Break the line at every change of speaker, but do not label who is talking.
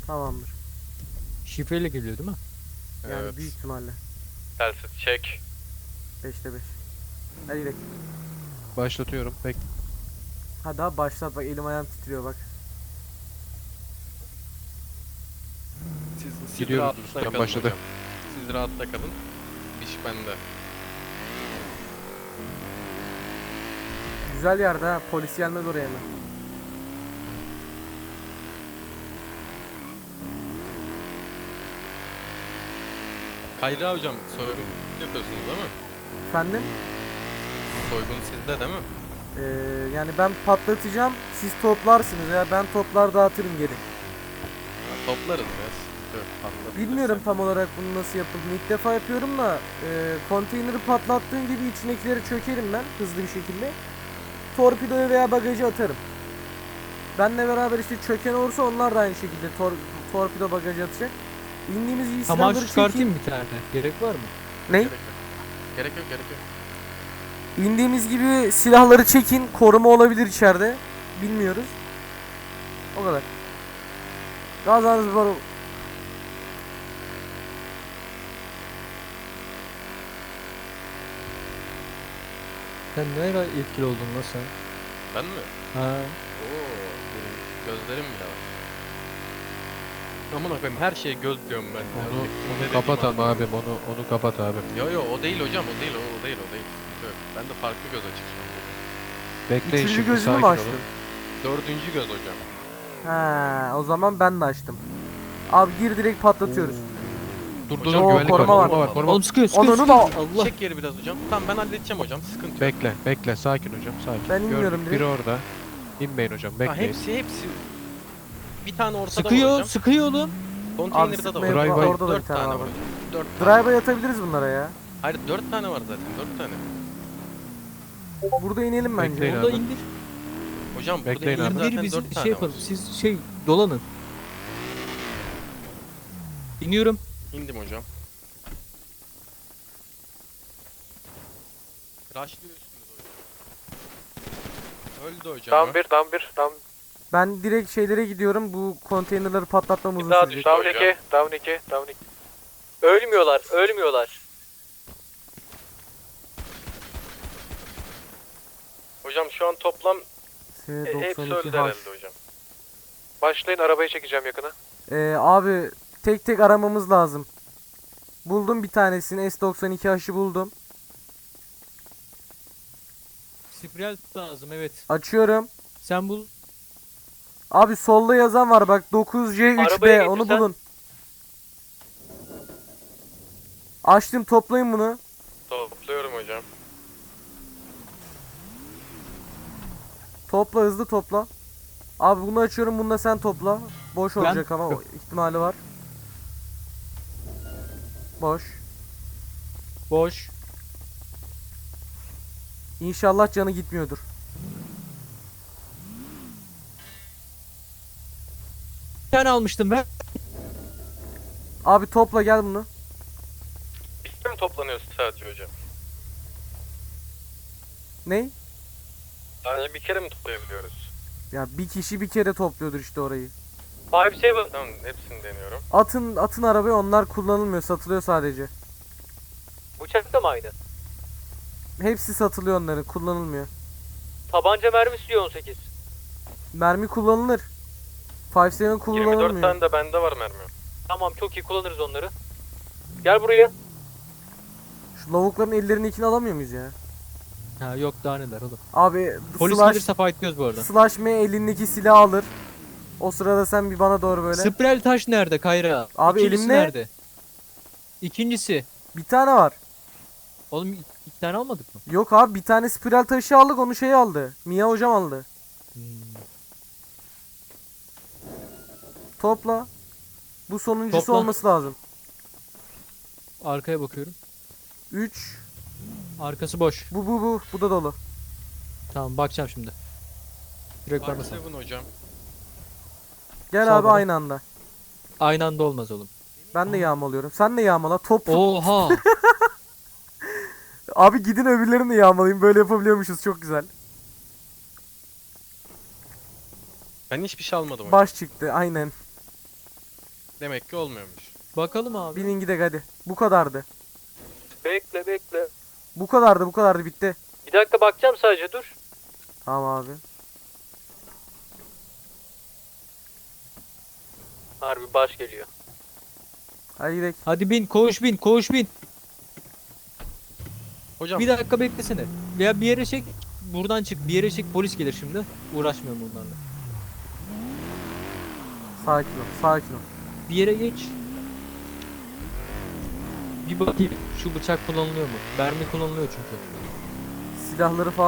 Tamamdır.
Şifreyle geliyor değil mi?
Yani
Evet.
büyük ihtimalle.
Telsiz çek.
5'te 5. Hadi gidelim.
Başlatıyorum.
Hadi abi başlat bak, elim ayağım titriyor bak.
Siz
Gidiyoruz,
rahatta
ustam
kalın
başladı.
hocam. Siz rahatta kalın. İş bende.
Güzel yerde ha, polis gelmez oraya hemen.
Kayra hocam soygun yapıyorsunuz değil mi?
Efendim?
Soygun sizde değil mi?
Yani ben patlatacağım, siz toplarsınız ya, ben toplar dağıtırım geri.
Ha, toplarız ya. Yok, patlatırız.
Bilmiyorum tam olarak bunu nasıl yapıldığını, ilk defa yapıyorum da konteyneri patlattığım gibi içindekileri çökerim ben hızlı bir şekilde. Torpidoya veya bagajı atarım. Benle beraber işte çöken olursa onlar da aynı şekilde torpido bagajı atacak. İndiğimiz iyi
Tamam,
silahları
çıkartayım
çekin.
bir tane. Gerek var mı?
Ne?
Gerek yok. Gerek yok, gerek yok.
İndiğimiz gibi silahları çekin. Koruma olabilir içeride. Bilmiyoruz. O kadar. Gazanız var.
Sen ne kadar etkili oldun lan sen?
Ben mi?
Ha.
Oo, benim gözlerim bile var. Aman koyayım, her şeye göz diyorum ben. ya.
Onu
Ne
kapat
dediğimi
ama
anlamıyorum.
abim. Onu kapat abi.
Yo yo, o değil hocam, o değil, o değil, o değil. Yok, ben de farklı göz açık şu an.
Bekleyin
Üçüncü
şimdi,
gözünü
sakin
mü
olun.
açtın?
Dördüncü göz hocam.
Ha, o zaman ben de açtım. Abi gir, direkt patlatıyoruz.
Dur dur
Hocam,
dur, güvenlik
koruma
var.
var.
Koruma.
Oğlum sıkıyor
Ananı
sıkıyor.
da-
Allah.
Çek geri biraz hocam. Tamam, ben halledeceğim hocam, sıkıntı yok.
Bekle sakin hocam, sakin.
Ben inmiyorum
Gördük, biri orada. İnmeyin hocam,
Ha,
bekleyin.
hepsi. Bir tane ortada var
Sıkıyor
hocam.
sıkıyor oğlum.
Konteynerde de
sıkmaya
var.
Drive by-
orada da bir
Dört
tane
tane
var.
var hocam. Dört tane.
Drive'a yatabiliriz bunlara ya.
Hayır, 4 tane var zaten, 4 tane.
Burada inelim bence.
Bekleyin
Onu da
abi.
indir.
Hocam burada
Bekleyin
iyi
abi.
zaten
İndir, biz
4 tane
şey yapalım.
var.
Siz şey dolanın. İniyorum.
İndim hocam. Rushlıyorsunuz hocam. Öldü hocam.
Down 1, down 1, down
Ben direkt şeylere gidiyorum. Bu konteynerları patlatmam uzun
daha
sürecek.
down 2, down 2, down 2. Ölmüyorlar, ölmüyorlar.
Hocam şu an toplam hepsi öldü
S92H.
herhalde hocam.
Başlayın, arabayı çekeceğim yakına.
Abi tek tek aramamız lazım. Buldum bir tanesini, S92H'ı buldum.
Spiral lazım, evet.
Açıyorum.
Sen bul.
Abi solda yazan var bak, 9C3B,
Arabaya
onu
getirsen.
bulun. Açtım, toplayın bunu.
Topluyorum hocam.
Topla, hızlı topla. Abi bunu açıyorum, bunu da sen topla. Boş
Ben-
olacak ama ihtimali var. Boş.
Boş.
İnşallah canı gitmiyordur.
Bir tane almıştım ben.
Abi topla, gel bunu.
Bir kere mi toplanıyoruz sadece hocam?
Ney?
Sadece bir kere mi toplayabiliyoruz?
Ya bir kişi bir kere topluyordur işte orayı.
5-7.
Tamam, hepsini deniyorum.
Atın arabaya, onlar kullanılmıyor, satılıyor sadece.
Bıçak da mı aynı?
Hepsi satılıyor onların, kullanılmıyor.
Tabanca mermisi diyor 18.
Mermi kullanılır. 5.7
24
kullanılmıyor.
tane de bende var mermi.
Tamam, çok iyi, kullanırız onları. Gel buraya.
Şu lavukların ellerindekini alamıyor muyuz ya?
Ha yok, daha neler oğlum.
Abi
Polis
slash,
gelirse fightlıyoruz bu arada.
slash M elindeki silahı alır. O sırada sen bir bana doğru böyle.
Spiral taş nerede Kayra?
Abi
İkincisi
elimde.
nerede? İkincisi.
Bir tane var.
Oğlum iki tane almadık mı?
Yok abi, bir tane spiral taşı aldık, onu şey aldı. Mia hocam aldı.
Hmm.
Topla. Bu sonuncusu
Topla.
olması lazım.
Arkaya bakıyorum.
3.
Arkası boş.
Bu da dolu.
Tamam, bakacağım şimdi. Direkt bana sal.
7 hocam.
Gel
Sağ
abi
bana.
aynı anda.
Aynı anda olmaz oğlum.
Ben de yağmalıyorum. Sen de yağmala. Top.
Oha.
Abi gidin öbürlerini de yağmalayın. Böyle yapabiliyormuşuz. Çok güzel.
Ben hiçbir şey almadım hocam.
Baş çıktı. Aynen.
Demek ki olmuyormuş.
Bakalım abi.
Binin gidek hadi. Bu kadardı.
Bekle.
Bu kadardı bitti.
Bir dakika bakacağım sadece dur.
Tamam abi.
Harbi baş geliyor.
Hadi gidelim.
Hadi bin, koğuş bin.
Hocam
Bir dakika beklesene. Veya bir yere çek. Buradan çık. Bir yere çek. Polis gelir şimdi. Uğraşmıyorum bunlarla.
Sakin ol.
Bir yere geç. Bir bakayım. Şu bıçak kullanılıyor mu? Mermi kullanılıyor çünkü.
Silahları falan